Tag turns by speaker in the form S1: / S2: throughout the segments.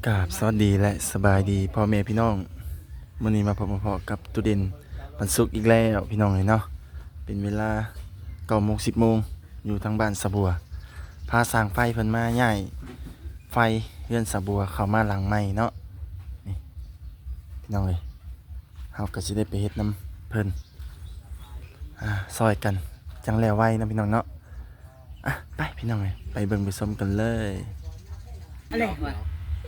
S1: กราบสวัสดีและสบายดีพ่อแม่พี่น้องมื้อนี้มาพบมาพอกับตุเด่นวันศุกร์อีกแล้วพี่น้องเลยเนาะเป็นเวลา9 โมง 10 โมงอยู่ทางบ้านสะบัวพาสร้างไฟเพิ่นมาใหญ่ไฟเฮือนสะบัวเข้ามาหลังใหม่เนาะนี่พี่น้องเลยเฮาก็สิได้ไปเฮ็ดน้ำเพิ่นซอยกันจังแล้วไว้นะพี่น้องเนาะไปพี่น้องเลยไปเบิ่งไปชมกันเลย
S2: อะไรวะ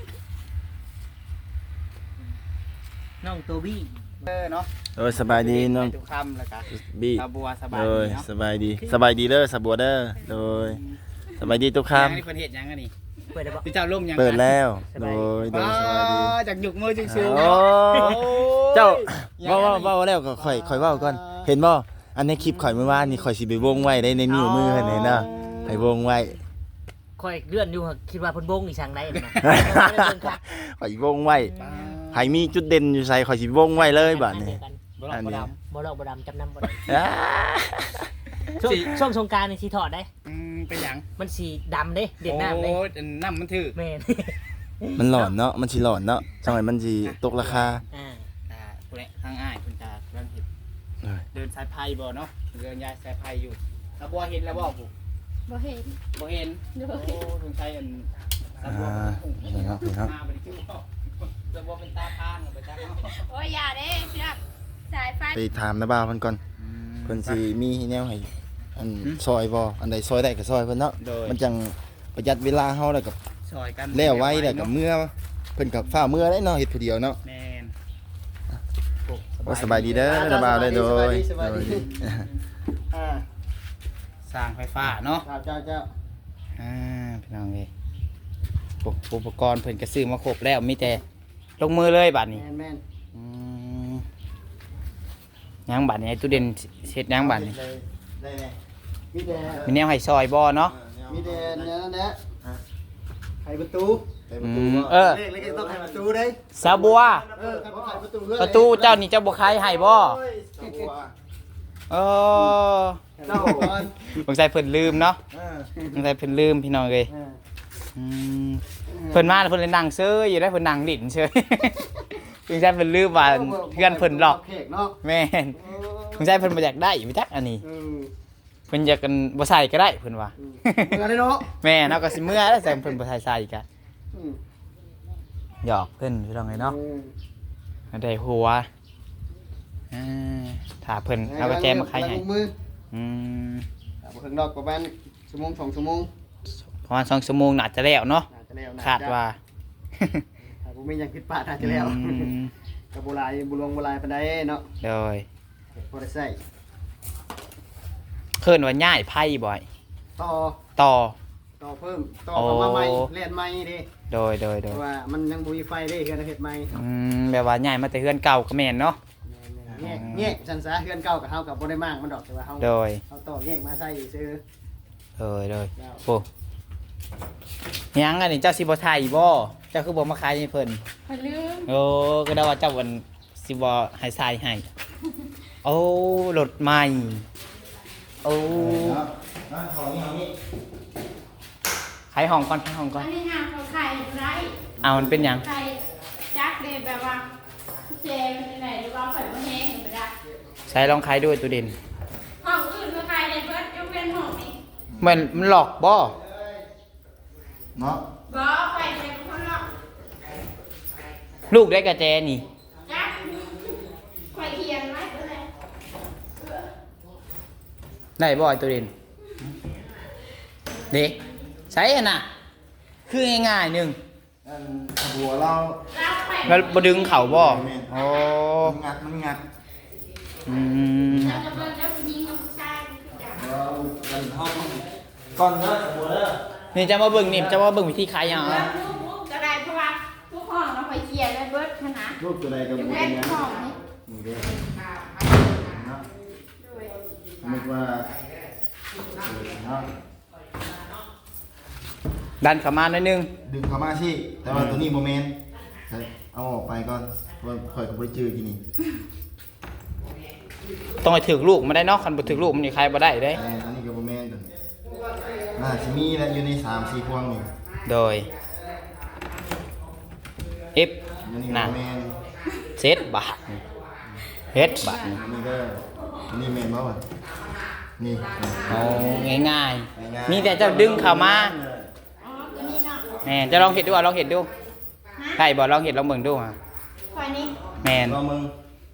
S2: น้องตัวบี้เนาะ
S1: สบายดีน้อง
S2: ทุกคำแล้วกัน
S1: บี้
S2: สาบัวสบาย
S1: โด
S2: ดี
S1: ย
S2: เนาะ
S1: สบายดีสบายดีเด้อสะบัวเด้อโดยสบายดีทุกค
S2: ยังนี่เพิ่นเฮ็ดยังกันนี่เปิดได้บ่พี่เจ้าล่มยัง
S1: ำเปิดแล้วโดยสบายดี
S2: จากหยุกมือจึงสูง
S1: โอ้เจ้าว่าแล้วก็ค่อยเว้าก่อนเห็นบ่อันในคลิปข่อยเมื่อวานนี่ข่อยสิไปวงไว้ได้ในนิ้วมือเห็นเนาะให้วงไว้
S3: ค่อยเลื่อนอยู่คิดว่าเพิ่นบงอีช่างได้นะ
S1: ข่อยวงไว้ให้มีจุดเด่นอยู่ใส่ข่อยสิวงไว้เลยบัดนี้
S2: อันนี้
S3: บ่ดอกบ่ดำจำนำบ่ได้
S1: อ่า
S3: ช่วงสงกรานต์นี่สิถอดได้
S2: เป็นหยัง
S3: มันสีดำเด้เด็ดน้ำเด้
S2: โอ้น้ำมันถือ
S3: แม่น
S1: มันหลอนเนาะมันสิหลอนเนาะจังไดมันสิตกราคา
S2: คุณเนี่ยทางอ้ายคุณจะเริ่มเห็นเดินสายไพ่บ่เนาะเดินยายสายไพ่อยู่สาบัวเห็นแล้วบ่ผู้
S4: บ่เห็น
S2: บ่เห็นโอ้ลุงชัยอันสาบัว
S1: นี่ครับนี่ครับ
S2: มาบ่ได้คิดว่าสาบัวเป็นตาพานไปจักเนาะ
S4: โอ้ยอย่าเด้พี่รักสายไฟ
S1: ไปถามนะบ่าวเพิ่นก่อนเพิ่นสิมีแนวให้อันซอยบ่อันใดซอยได้ก็ซอยเพิ่นเนาะมันจังประหยัดเวลาเฮาแล้วก็
S2: ซอยกัน
S1: แล้วไว้แล้วก็เมื่อเพิ่นก็ฟ้าเมื่อได้เนาะเฮ็ดผู้เดียวเนาะ
S2: แม่น
S1: ว่าสบายดีเด้อนะบ่าวได้โดย
S2: สบายดีสร้างไฟฟ้าเนาะ
S5: เจ้า
S2: พี่น้องเอ้ยอุปกรณ์เพิ่นก็ซื้อมาครบแล้วมีแต่ลงมือเลยบัดนี้
S5: แม่น
S2: อืมยังบัดนี้ไอ้ตู้เด่นเฮ็ดยังบัดนี้
S1: ได้แน่
S5: มีแต่
S2: มีแนวให้ซอยบ่เนาะ
S5: มีแต่เนี่ยนั่นแหละไขประตู
S1: ไปประตูบ่
S2: เออ
S5: เลขก็ต้องไขประตูได้
S2: สาบัว
S5: ไขประตูเพื่อ
S2: ประตูเจ้านี่เจ้าบ่ขายให้บ่เออ
S5: เจ้าก่อน
S2: สงสัยเพิ่นลืมเนาะสงสัยเพิ่นลืมพี่น้องเอ้ยมเพิ่นมาแล้วเพิ่นเลยนั่งเซ้ออยู่ได้เพิ่นนั่งลิ้นเฉย สงสัยเพิ่นลืมว่าเพื่อนเพิ่นหลอก
S5: เค้กเนาะ
S2: แม่นสงสัยเพิ่นบ่อยากได้อยู่จักอันนี้
S5: เออ
S2: เพิ่นอยากกันบ่ใส่ก็ได้เพิ่นว่า
S5: เงินได้เนาะ
S2: แม่เนาะก็สิเมื่อแล้วแต่เพิ่นบ่ใส่อีกอะ
S5: อืม
S2: หยอกเพิ่นพี่น้องเอ้ยเนาะได้หัวอ่าถ้าเพิ่นเอากระแจมาขายให้
S5: ล้งมือ
S2: อืม
S5: บ่ถึงดอกประมาณชั่วโมง2 ชั่วโมง
S2: ประมาณ2 ชั่วโมงน่าจะแล้วเนาะ
S5: น่าจะแล้วนะ
S2: คาดว่า
S5: ถ้าบ่มีหยังผิดพลาดน่าจะแล้ว
S2: อืม
S5: ก็บ่หลายบ่ลงบ่หลายปานใดเนาะ
S2: โดย
S5: บ่ได้ใช้
S2: เพิ่นว่าย้ายไพ่บ่อย
S5: ต่อ
S2: ต่อ
S5: ต่อเพิ่มต่อเข้ามาใหม่แล่นใหม่เด้
S2: โดย
S5: เพราะว่ามันยังบ่มีไฟเด้เฮือนเฮ็ดใหม่
S2: แบบว่าย้ายมาแต่เฮือนเก่าก็แม่นเนาะ
S5: แยกสันซะเฮือนเก่ากับเฮากับบ่ได้มากมันดอกแต่ว่าเฮา
S2: โดย
S5: เฮาต่อแยกมาใส่ซื้อ
S2: โดยโอ้ยังอันนี้เจ้าสิบ่ถ่ายอีบ่เจ้าคือบ่มาขายให้เพิ่น
S4: พะลืม
S2: โอ้ก็ได้ว่าเจ้าวันสิบ่ให้ทรายให้โอ้รถใหม่โอ้ขายห้องก่อนขายห้องก่อ
S4: อั
S2: น
S4: นนี้หาเขาไข่ไร
S2: เอามันเป็นหยัง
S4: ไข่จักเลยแบบว่าเจมันไหนหรือว่าไข่บ่แห้งบ่ได้
S2: ใช้ลองขายด้วยตัวเด่น
S4: ห้องอื่นก็ไข่ได้เบิดยกเว้นห้องนี้
S2: มันหลอกบ่
S1: เนาะ
S4: บ่ไข่เป็นคนหรอก
S2: ลูกได้กระแจนี่
S4: จักไข่เขียนไว้ก็เลย
S2: ได้บ่ตัวเด่นเด็กใช้อันน่ะคือง่ายๆหนึง
S1: อันหัวเรา
S4: รับไข่
S2: แล้วบ่ดึงเข่าบ่โอ้
S1: มันงัด
S2: อืม
S4: แล้วก็เบิ่งแล้วผู้หญิงกับผู้ชายคือกัน
S1: เรากันเฮาก่อนเด้อหัวเด้อ
S2: นี่จะมาเบิ่งนี่จะมาเบิ่งวิธีขายยัง
S4: แล้วลูกก็ได้เพราะว่าทุกห้องเราไข่เขียนไว้เบิดขนาด
S1: รูปตัวใดก็
S4: ยก
S1: บ่
S4: เว้
S1: เป็น นหยัง
S4: ห้องนี้
S1: นี่เด้อเนาะ
S4: ด้วย
S1: สมมุติว่าเนาะ
S2: ดันเข้ามาหน่อยหนึง
S1: ดึงเข้ามาสิแต่ว่าตัวนี้บ่แม่นเอาออกไปก่อนเพราะว่าข่อยก็บ่ได้จื้อกินนี่
S2: ต้องให้ถึกลูกมาได้เนาะคันบ่ถึกลูกมันนี่ขายบ่ได้เด้
S1: แต่อันนี้ก็บ่แม่นตัวน่าสิมีแล้วอยู่ใน3-4พวงนี่
S2: โดย F
S1: มันนี่
S2: น่ะ
S1: แมน
S2: เซตบาทเฮ็ดบาทนี่
S1: นี่ก็นี่แมนบ่วะนี่
S2: เอาง่ายๆมีแต่เจ้าดึงเข้ามา
S4: อ๋อตัวนี้เนาะ
S2: แม่นจะลองเฮ็ดดูลองเฮ็ดดูได้บ่ลองเฮ็ดลองเบิ่งดูฮะ
S4: คอยนี่
S2: แม่น
S1: รอมึง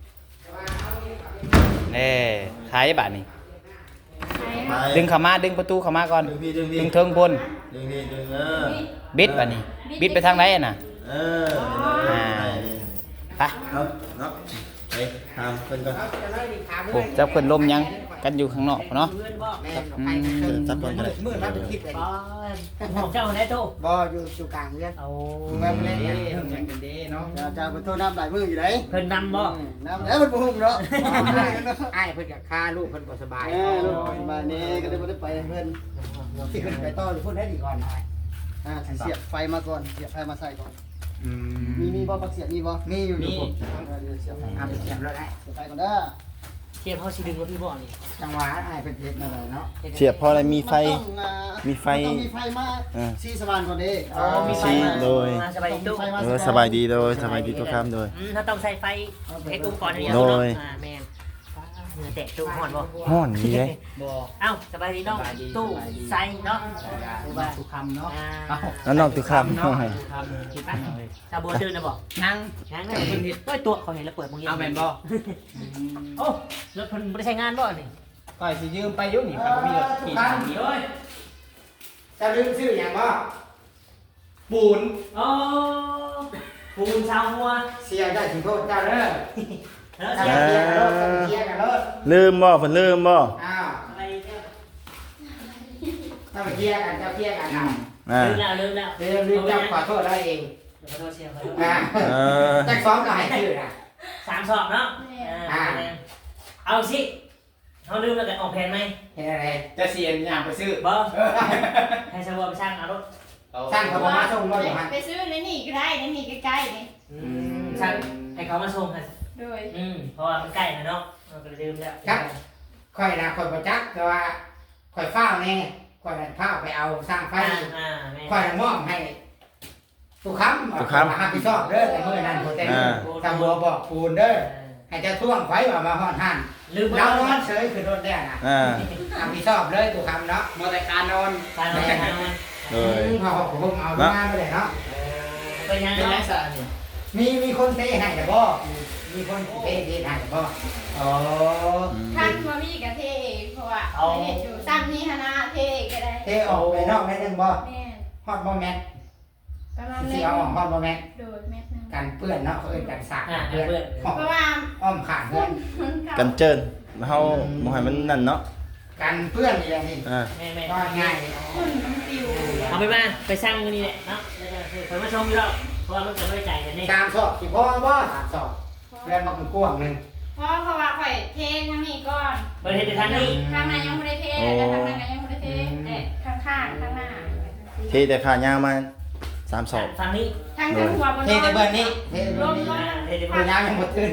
S2: เด้ขายบาทนี่
S4: ใช่
S1: ไป
S2: ดึงเข้ามาดึงประตูเข้ามาก่อน
S1: ดึงพี่ดึงพี่
S2: ดึงเทิงบน
S1: ดึงพี่ดึง
S2: บิดบาทนี่บิดไปทางไหนอะน่ะ
S1: เออ
S2: อ่า ไป
S1: เนาะเนาะไปทำเพิ่นก่อน
S2: โอ้เจ้าเพิ่นลมยังกันอยู่ข้างนอกเนาะอืม
S1: จับก่อนก็ได้
S5: มืดมาเป็นคลิปเลย
S3: อ๋อของเจ้าไหนโต
S5: บ่อยู่กลางเรือน
S3: เอา
S5: แม่บ่เล่น
S2: เป็นเด้เนาะ
S5: จะไปโทษน้ำหลายมืออยู่ไหน
S3: เพิ่นนำบ่
S5: น้ำแล้วมันบ่หุ่มเนาะ
S6: อ้ายเพิ่นก็ฆ่าลูกเพิ่นบ่สบาย
S5: ลูกมานี่ก็เลยบ่ได้ไปเพิ่น
S6: ที่เพิ่นไปต่อหรือพูดได้ดีก่อนอ้าย
S5: เสียบไฟมาก่อนเสียบไฟมาใส่ก่อน
S2: อื
S5: มีบ่ปักเสียบมีบ่
S6: มีอยู่อยู่ผม
S5: เสียบ
S6: เอาไปเสียบแล้วได้
S5: ไฟก่อนเด้อ
S3: เทียบเฮาสิดึงรถพี่บ่นี่
S6: จังหวะอ้ายเพิ่นเฮ็ดมาเลยเนาะ
S1: เสียบเพราะอะไรมีไฟ มีไฟ
S5: ต้องมีไฟมาซีสว่านก่อนเด้
S3: อ๋อมีไฟ
S1: ชี้
S3: มา
S1: โดย
S3: มาสบายดีตู้
S1: สบายดีโดยสบายดีทุกคำโดย
S3: ถ้าต้องใส่ไฟไอ้ตุ้มก่อนนี่
S1: โดย
S3: แม่นเหงื่อแตกตู้ฮ้อนบ่
S1: ห้อนนี่เลย
S6: บ่
S3: เอ้าสบายดีน้องตู้ใส่เนาะ
S6: ว่าทุกคำเนาะ
S1: แล้วน้องทุกคำ
S3: ชาโบตื่นนะบ่
S6: นั่ง
S3: งั้นเพิ่นเฮ็ดโอ้ยตัวเขาเห็นแล้วเปิดมึง
S6: เอาแม่นบ่
S3: โอ้รถเพิ่นบ่ได้ใช้งานบ่นี่
S6: ก็สิยืมไปอยู่นี่เพิ่นมีรถขี่ทางนี้เอ้ยจะลืมชื่อหยังบ่ปูน
S3: โอ้ปูนชาวหัว
S6: เสียได้สิโทษเจ้าเด้อ
S3: แล้ว
S6: ถ้า
S3: เสีย
S6: เสียกันรถเสียกันรถ
S1: ลืมบ่เพิ่นลืมบ่
S6: อ้าว
S3: อะไรเนี่ย
S6: ถ้าไปเคลียร์กันเจ้าเคลียร์กันเอา
S1: อ่า
S3: ลืมแล้วลืมแล้ว
S6: ลืมเจ้าขอโทษได้เอง
S3: ขอโทษเสียขอโทษ
S6: อ่า
S1: เออ
S6: จักซ้อมก็ให้ชื่อน่ะ
S3: 3สอบเนาะเอาสิเขาลืมแล้วกันออกแผนไหม
S6: เฮ็ดอะไรจะเสียอย่างไปซื้อ
S3: บ่ให้ชาวบ้านไปช่างเอารถ
S6: สร้างเขาบ่มาส่งบ่อยู่หั่น
S4: ไปซื้อในนี่ก็ได้ในนี่ใกล้ๆนี่
S3: ช่างให้เขามาส่งกัน
S4: โดย
S3: เพราะว่ามันใกล้นะเนาะเราก็ลืมแล้ว
S6: ค่อยนะค่อยบ่จักแต่ว่าค่อยฟ้าวแน่ค่อยนั่นฟ้าวไปเอาสร้างไฟ
S3: แม่
S6: ค่อยมอบให้ทุกคำรับผิดชอบเด้อแต่มื้อนั้นโปรเต็มทำบัวบอกปูนเด้อให้เจ้าท่วงไว้ว่ามาฮอดหัน
S3: ลืม
S6: เรา
S3: แล้ว
S6: นอนเฉยคือโดนแน่น่ะ
S1: อ่า
S6: รับผิดชอบเลยทุกคำเนาะมอแต่การนอน
S3: การนอนการนอน
S1: โดย
S6: พอผมเอางานไปเลยเนาะ
S3: เป็นยัง
S6: เป็น
S3: ไง
S6: ไรสะนี่มีคนเทให้แต่บ่มีคนเทให้แต่บ่อ๋อ
S4: ท่านมามีกับเทเองเพราะว่าเห็นอยู่ซ้ำนี่ฮะนะเทเองก็ได้
S6: เทออกไปนอกได้นึงบ่
S4: แม่
S6: ฮอดบ่แม่น
S4: ประมาณ
S6: สิ
S4: นี้
S6: เอาออกฮอดบ่แม่น
S4: โดยแม่นึง
S6: กันเปื้อนเนาะเขาเอิ้นกันสาก
S3: เพื่อน
S4: เพราะว่า
S6: อ้อมขาดเพื่อน
S1: กันเจินเฮาบ่ให้มันนั่นเนาะ
S6: กันเพื่อนอย่างนี้
S1: อ่า
S3: แม่
S6: ก็ง่าย
S4: คุณปิว
S3: เอาไปมาไปช่างนี่แหละเนาะเพิ่นมาชมอยู่แล้วเพราะว่ามันเกิดด้วยใจกันนี่
S6: ตามสอบสิพ่อบ่ตามสอบเรียนมาเป็นกว้างนึง
S4: เพราะว่าข่อยเททางนี้ก่อน
S3: เพิ่นเฮ็ดในทางนี้
S4: ข้างในยังไม่ได้เทแต่ทางนั้นก็ยังไม่ได้เทแต่ข้างข้างข้างหน้า
S1: เทแต่ขายางมา3ศอก
S3: ทางนี้
S4: ทางจะหัวบน
S6: เทแต่เบิ่นนี้เทแต่
S4: ล
S6: เบิ่น
S4: ม
S6: นี้
S4: ลม
S3: เฮ็ดใน
S6: พยายามยังบ่ตื่น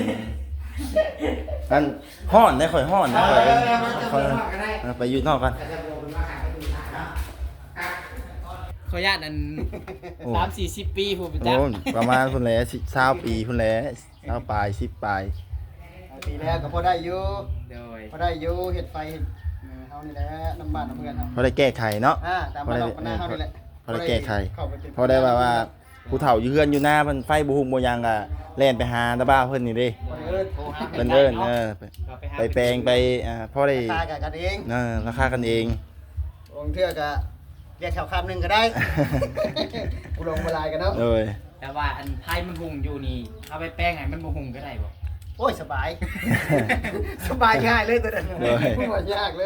S1: อันฮ้อนได้ค่อยฮ้อน
S6: เอ
S1: นะ
S6: อ
S1: ค่อย
S6: มันจะ
S1: ค่อย
S6: เป็นว่าก็ได้
S1: ไปอยู่นอกกัน
S6: แต่จะบ่เป็นว่าขายไปดูถ่ายเนาะ
S2: ขออนุญาตอัน
S1: โอ้
S2: 30-40 ปีผู้เป็น
S1: โอ้
S2: จัก
S1: ประมาณพุ่นแหละ20ปีพุ่นแหละ20ปลาย10ปลาย
S5: ปีแล้วก็พอได้อยู่
S2: โดย
S5: พอได้อยู่เห็ดไฟเห็ดเฮานี่แหละน้ำบ้านน้ำเมืองเฮา
S1: พอได้แก้ไขเนาะ
S5: ตามบ้านหน้าเฮานี่แหละ
S1: พอได้แก้ไข
S5: เข้าไปเป็น
S1: พอได้ว่าผู้เฒ่าอยู่เฮือนอยู่หน้าเพิ่นไฟบ่ฮู้บ่หยังก็แล่นไปหาตาบ้าเพิ่นนี่เด้
S5: โทรหา
S1: เพิ่นเอิ้นไปแปลงไปพอได้
S5: ตากันเอง
S1: ราคากันเอง
S5: องเทื่อก็เรียกแถวคำหนึงก็ได้กูลงเวลากันเนาะ
S1: โดย
S2: แต่ว่าอันไพ่มันหุงอยู่นี่เอาไปแป้งให้มันบ่หุงก็ได้บ่
S5: โอ้ยสบาย สบายง่ายเลยตัวนั้นไม่ว่ายากเลย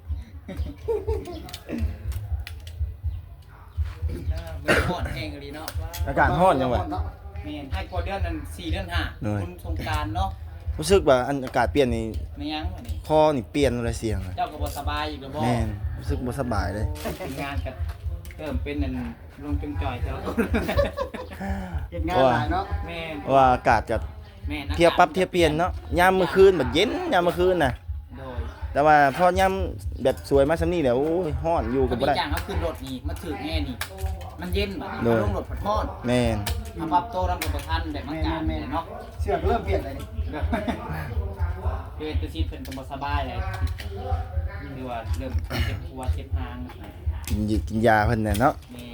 S2: มันฮ้อนแห้งอีเนาะ
S1: อากาศร้อนจังวะ
S2: แม่นให้กว่าเดือนนั้น4เดือน5คุณสงกรานต์เนาะ
S1: รู้สึกว่าอากาศเปลี่ยนนี่
S2: ไม่ยังวะนี่
S1: คอนี่เปลี่ยนเลยเสียงเลย
S2: เจ้าก็บ่สบายอีกแล้วบ่
S1: แม่นรู้สึกบ่สบายเลย
S2: งานก็เริ่มเป็นนั่นลงจุงจ่อยเจ้า
S5: เฮ็ดงานหลายเนาะ
S2: แม่น
S1: เพราะว่าอากาศจะ
S2: แม่น
S1: เทียบปรับเทียบเปลี่ยนเนาะยามมื้อคืนแบบเย็นยามมื้อคืนน่ะ
S2: โดย
S1: แต่ว่าพอยามแบบสวยมาซำนี้แล้วโอ้ยร้อนอยู่
S2: ก็
S1: ก็
S2: มี
S1: บ่ได้
S2: อย่างเขาขึ้นรถนี่มาถึกแน่นี่ มันเย็นบัด
S1: โด
S2: นี้
S1: ย
S2: ลงรถผัดฮ้อน
S1: แม่น
S2: มาปรับโตรับประทานแบบมันการเนาะ
S5: เสื้อก็เริ่มเปลี่ยนเลยนี่
S2: คือตัวชีพเพิ่นก็บ่สบายเลยหรือว่าเริ่มเจ็บหัวเจ็บหาง
S1: กินยาเพิ่นน่ะเนาะ
S2: นี่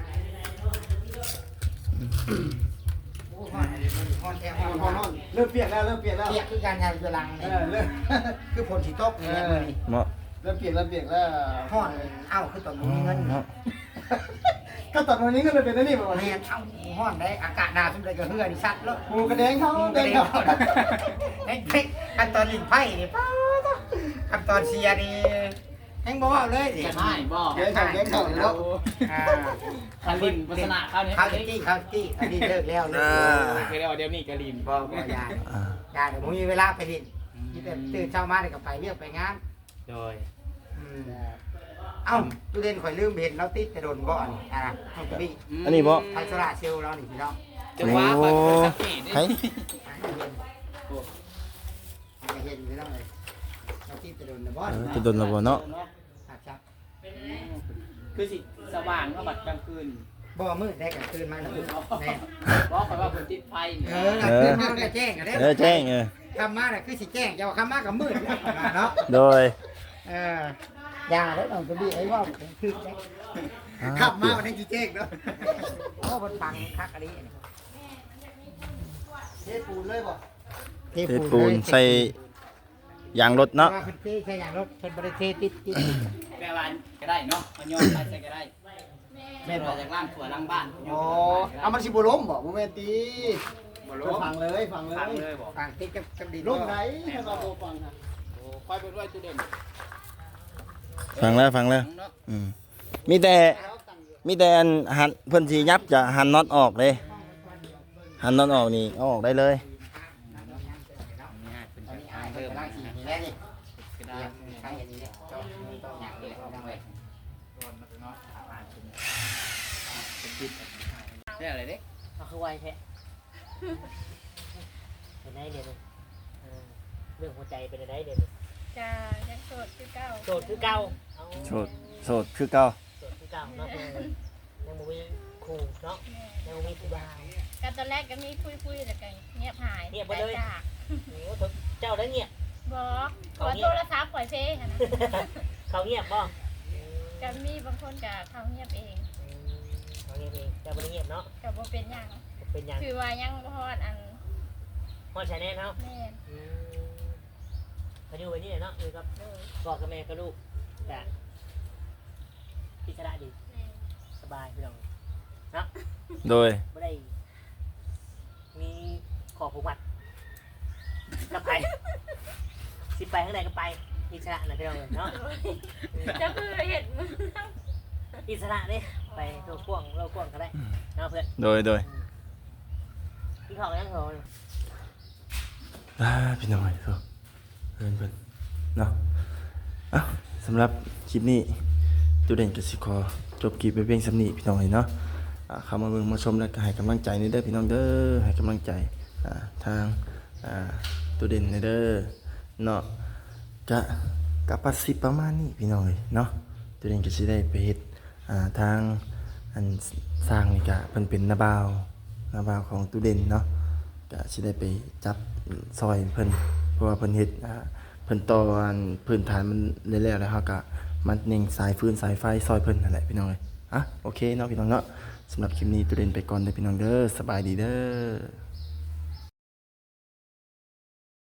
S6: โอ้ฮ้อนฮ้อนแท้ฮ้อน
S5: พอนอนเริ่มเปลี่ยนแล้ว
S6: เปียกคือการงานอยู่หลัง
S5: เอ
S6: นี่
S5: อเริ่ม
S6: คือฝนสิตกนี่แหละมื้อนี้
S1: เนาะ
S5: เริ่มเปลี่ยนแล้ว
S6: ฮ้อนเอ้าคือตอนบ่มีเงิน
S1: เนาะ
S5: ก็ตอนวันนี้ก็เลยเป็นนี่แบบวัน
S6: แม่
S5: นี้
S6: นเอ้าฮ้อนได้อากาศหนาวซุ่มใดก็เฮือนี่ชัดแล้ว
S5: กูกระเด้งเขา
S6: เด้
S5: เด้
S6: ง
S5: ง
S6: เขา
S5: เขา
S6: ขั้นตอนลิ้นไผ่นี่ป้าดขั้นตอนเชียร์นี่แฮงบ่เว้าเลยดิ
S2: จะให้บ่
S5: เด้งเขาแล้ว
S6: อ่า
S2: คารินวัฒนะข้าวนี้
S6: ข้าวจี้อันนี้เลิกแล้วเลิกแล้ว
S2: เคยได้ว่าเดี๋ยวนี้กาลิน
S6: บ่ยา
S1: อ่า
S6: ยาเดี๋ยวผมมีเวลาไปดินที่แต่ตื่นเช้ามาเดี๋ยวก็ไปเรียกไปงาน
S2: โดย
S6: เอ้าตู้เด่นข่อยลืมเห็นเราติดแต่โดนบ่อนห้องกระบี่
S1: อันนี้บ่
S6: ไฟโซล่าเซลล์เรานี่พี่น้อง
S2: จะว่าไปสักทีนี่
S1: ไผ
S6: เห็นพี่น้องเลยเราติดแต่โดนแต่บ่อน
S1: จะโดนแล้วบ่เนาะ
S6: ครับ
S2: คือสิสว่างก็บัดกลางคืน
S6: บ่มืดได้กลางคืนมาแล้วแน่
S2: บอกไปว่าเพิ่นติดไฟ
S6: กลางคืนมาก็แจ้งกันได้
S1: แจ้ง
S6: คำมาน่ะคือสิแจ้งจะว่าคำมากับมืดเนาะ
S1: โดย
S6: ยาแล้วน้องกระบี่ไอ้ว่าคือได้
S5: ขับมาวันนี้จีเจ๊กเนาะ
S6: โอ้บนฟังคักอะไรนี่
S5: เทปูนเลยบ่
S1: เทปูนใส่ยางรถเนาะ
S6: ว่าเพิ่นเทใช่อย่างรถเพิ่นบ่ได้เทติด
S2: แปลว่าก็ได้เนาะมันย้อนไปใส่ก็ได้แม่นว่าจากล่างถั่วล่างบ้าน
S5: อ๋อเอามันสิบ่ล้มบ่โมเมนตี
S2: บ่รู้
S5: ฟังเลยฟังเล
S2: ฟัง
S5: ย
S2: เลยบอก
S6: ฟังติดกับดิน
S5: ล้มไหนถ้าเราบ่ฟังค่ะ
S2: โอ้ค่อยไปด้วยตู้เด่น
S1: ฟังแล้ว
S2: เนาะ
S1: อืมมีแต่อันหันเพิ่นสิยับจะหันน็อตออกเลยหันน็อตออกนี่เอาออกได้เลย
S2: นี่เป็น
S6: ตอน
S2: การ
S6: นี้อาย
S2: เพิ่
S6: เพิ่
S2: ม
S6: น
S2: นะ
S6: ล้างสีนี่แล้วนี่
S2: ก็
S6: เต
S2: ได้
S6: รียมใช้อันนี้เนี่ยเจาะอย่างนี้ดังเลย
S2: นี่อะไรเด็ก
S7: เอาคือไวแท้เป็นไงเดี๋ยวนี้เรื่องหัวใจเป็นไงเดี๋ยวนี้
S4: จะยังโสดคือเก่า
S7: โสดคือเก่าเอา
S1: โสดคือเก่า
S7: โสดคือเก่าเนาะเพื่อนยังบ่มีครูเนาะยังบ่มีครูบา
S4: กันตอนแรกก็มีคุยแล้วก็เงียบหาย
S7: เงียบไปเลย
S4: จาก
S7: โอ้โหเจ้าได้เงียบ
S4: บอกขอโทรศัพท์ปล่อยเพลงนะ
S7: เขาเงียบบ่
S4: ก็มีบางคนก็เขาเงียบเอง
S7: เขาเงียบเองเจ้าบ่ได้เงียบเนาะ
S4: ก็บ่เป็นหยัง
S7: เป็นหยัง
S4: คือว่ายังบ่ฮอดอัน
S7: ฮอดชาแนลเนาะ
S4: แม่น
S7: เขาอยู่ไปนี่เนาะอยู่กับ
S4: เลย
S7: พ่อกับแม่กับลูกแต่อิสระดี
S4: แม่น
S7: สบายพี่น้อง
S1: โดย
S7: บ่ได้มีขอผูกมัดกับไปสิไปข้างในก็ไปอิสระนะพี่น้องเนาะ
S4: จะคือเห็นมึง
S7: อิสระเนี่ยไปโลกกว้างโลกกว้างก็ได้เนาะเพื่อน
S1: โดย
S7: พี่ขอกันยังเหรอ
S1: พี่น้อยเพิ่นเนาะเอ้าสำหรับคลิปนี้ตูเด่นกสิคอจบคลิปไปเพียงสำนี้พี่น้องเนาะเข้ามาเบิ่งมาชมแล้วก็ให้กำลังใจนี่เด้อพี่น้องเด้อให้กำลังใจทางตูเด่นนี่เด้อเนาะจะกับปัสสิประมาณนี้พี่น้องเนาะตูเด่นก็สิได้ไปเฮ็ดทางอันสร้างนี่ก็เพิ่นเป็นนาบ่าวของตูเด่นเนาะก็สิได้ไปจับซอยเพิ่นเพราะว่าเพิ่นเฮ็ดเพิ่นต่ออันพื้นฐานมันแล้วแล้วเฮาก็มันเน่งสายฟืนสายไฟซอยเพิ่นนั่นแหละพี่น้องโอเคเนาะพี่น้องเนาะสำหรับคลิปนี้ตูเด่นไปก่อนเด้อพี่น้องเด้อสบายดีเด้อ